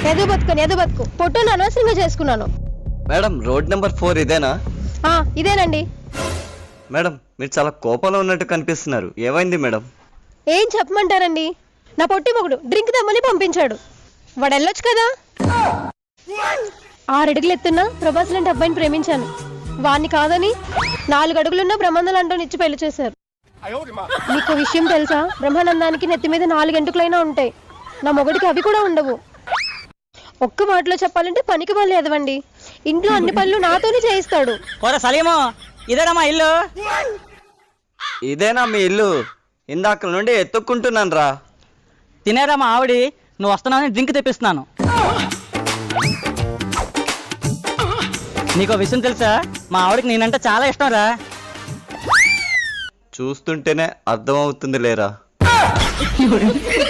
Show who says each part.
Speaker 1: ఎదు బతుకు పొట్టును అనవసరంగా చేసుకున్నాను.
Speaker 2: మేడం రోడ్ నెంబర్ 4 ఇదేనా?
Speaker 1: ఇదేనండి.
Speaker 2: మేడం మీరు చాలా కోపంలో ఉన్నట్టు కనిపిస్తున్నారు, ఏమైంది మేడం?
Speaker 1: ఏం చెప్పమంటారండి, నా పొట్టి మొగుడు డ్రింక్ తెమ్మని పంపించాడు. వాడు వెళ్ళొచ్చు కదా. 6 అడుగులు ఎత్తున్నా ప్రభాస్ లాంటి అబ్బాయిని ప్రేమించాను. వాణ్ణి కాదని 4 అడుగులున్న బ్రహ్మానందం అంటూ ఇచ్చి పెళ్లి చేశారు. మీకు విషయం తెలుసా, బ్రహ్మానందానికి నెత్తి మీద 4 గంటలైనా ఉంటాయి, నా మొగుడికి అవి కూడా ఉండవు. ఒక్క మాటలో చెప్పాలంటే పనికి పనులు ఎదవండి. ఇంట్లో అన్ని పనులు నాతోనే చేయిస్తాడు.
Speaker 3: ఇదేనా మా ఇల్లు?
Speaker 2: ఇదేనా మీ ఇల్లు? ఇందాక నుండి ఎత్తుక్కుంటున్నాను రా.
Speaker 3: తినేరా మా ఆవిడి, నువ్వు వస్తున్నావని డ్రింక్ తెప్పిస్తున్నాను. నీకో విషయం తెలుసా, మా ఆవిడకి నేనంటే చాలా ఇష్టం రా.
Speaker 2: చూస్తుంటేనే అర్థమవుతుంది లేరా.